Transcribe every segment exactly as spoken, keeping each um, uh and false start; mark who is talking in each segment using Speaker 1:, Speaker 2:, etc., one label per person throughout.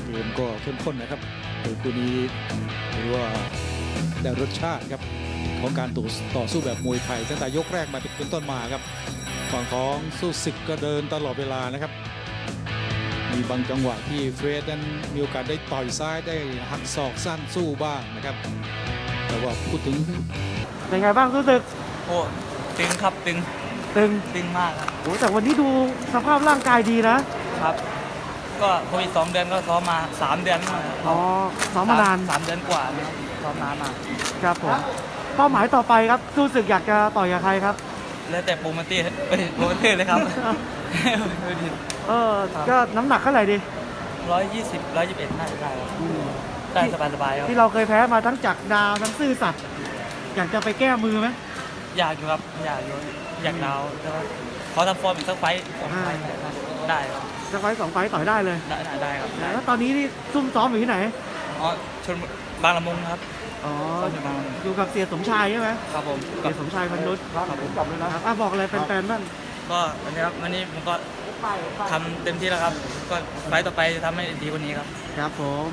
Speaker 1: เกมก็เข้มข้นนะครับโดยคู่นี้หรือว่าได้รสชาติครับของการต่อต่อสู้แบบมวยไทยตั้งแต่ยกแรกมาเป็นต้นมาครับฝั่งของสู้ศึกก็เดินตลอดเวลานะครับมีบางจังหวะที่เฟรดนั้นมีโอกาสได้ต่อยซ้ายได้หักศอกสั้นสู้บ้างนะครับแต่ว่าพูดถึง
Speaker 2: เป็นไงบ้างรู้สึก
Speaker 3: โอ้ตึงครับตึง
Speaker 2: ตึง
Speaker 3: ตึงมากครับ
Speaker 2: โอ้แต่วันนี้ดูสภาพร่างกายดีนะครับ
Speaker 3: ก็โควิดสองเดือนก็ซ้อมมาสามเดือน
Speaker 2: อ๋อซ้อมมานาน
Speaker 3: สามเดือนกว่านะครับซ้อมนานมา
Speaker 2: ครับผมเป้าหมายต่อไปครับรู้สึกอยากจะต่อยกับใครครับ
Speaker 3: แล้วแต่โปรโมเตอร์โปรโมเตอร์เลยครับ
Speaker 2: เออก็น้ำหนักเท่าไหร่ดี
Speaker 3: ร้อยยี่สิบร้อยยี่สิบเอ็ดน่าจะได้ได้สบายสบายครับ
Speaker 2: ที่เราเคยแพ้มาทั้งจักรดาวทั้งซื่อสัตย์อยากจะไปแก้มือไหม
Speaker 3: อยากอยู่ครับอยากอยู่อยากดาวแต่ว่าขอทำฟอร์มอีกสักไฟสองไฟได้ครับ
Speaker 2: สักไฟสองไฟต่อยได้เลย
Speaker 3: ได้ได้ครับ
Speaker 2: แล้วตอนนี้นี่ซุ่มซ้อมอยู่ที่ไหน
Speaker 3: อ๋อชนบางละมุงครับ
Speaker 2: อ๋ออยู่กับเสียสมชายใช่ไหม
Speaker 3: ครับผม
Speaker 2: เสียสมชายพันนุช
Speaker 3: ครับผม
Speaker 2: กลับเลยนะครับอ่ะบอกอะไรแฟนๆบ้าง
Speaker 3: ก็วันนี้ครับวันนี้ผมก็ทำเต็มที่แล้วครับก็ไฟต่อไปจะทำให้ดีกว่านี้ครับ
Speaker 2: ครับผม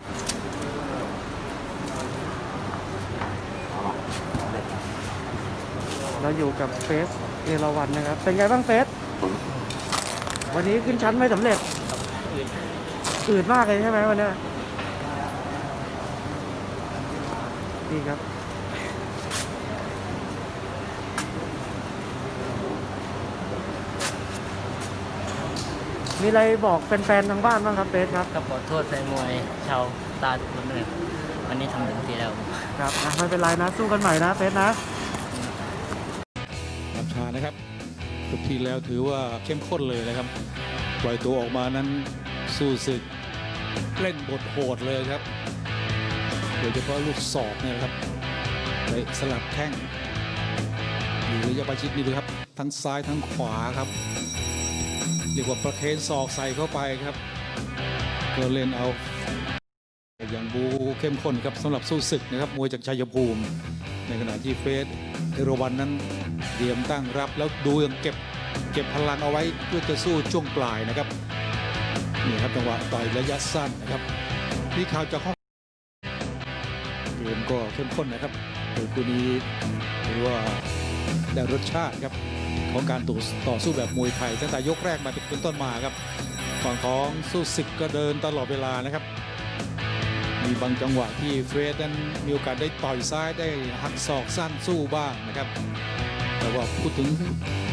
Speaker 2: เราอยู่กับเฟสเอราวัณนะครับเป็นไงบ้างเฟสวันนี้ขึ้นชั้นไม่สำเร็จอืดมากเลยใช่ไหมวันนี้ดีครับมีอะไรบอกแฟนๆทางบ้านบ้างครับเฟสครับ
Speaker 4: ก็ขอโทษแฟนมวยชาวตาทุกคนด้วยวันนี้ทำเต็มที่แล้ว
Speaker 2: ครับไม่เป็นไรนะสู้กันใหม่นะเฟสนะ
Speaker 1: น้ำชานะครับทุกทีแล้วถือว่าเข้มข้นเลยนะครับปล่อยตัวออกมานั้นสู้ศึกเล่นบทโหดเลยครับโดยเฉพาะลูกศอกเนี่ยครับไปสลับแข้งอยู่ระยะประชิดนี่ดูครับทั้งซ้ายทั้งขวาครับเรียกว่าประเคนศอกใส่เข้าไปครับก็เล่นเอาอย่างบูเข้มข้นครับสำหรับสู้ศึกนะครับมวยจากชัยภูมิในขณะที่เฟสเอราวัณนั้นเตรียมตั้งรับแล้วดูยังเก็บเก็บพลังเอาไว้เพื่อจะสู้ช่วงปลายนะครับนี่ครับจังหวะต่อยระยะสั้นนะครับนี่ข่าวจากห้องเกมก็เข้มข้นนะครับโดยคู่นี้หรือว่าได้รสชาติครับของการต่อต่อสู้แบบมวยไทยตั้งแต่ยกแรกมาเป็นต้นมาครับฝั่งของสู้ศึกก็เดินตลอดเวลานะครับมีบางจังหวะที่เฟรดนั้นมีโอกาสได้ต่อยซ้ายได้หักศอกสั้นสู้บ้างนะครับแต่ว่าพูดถึง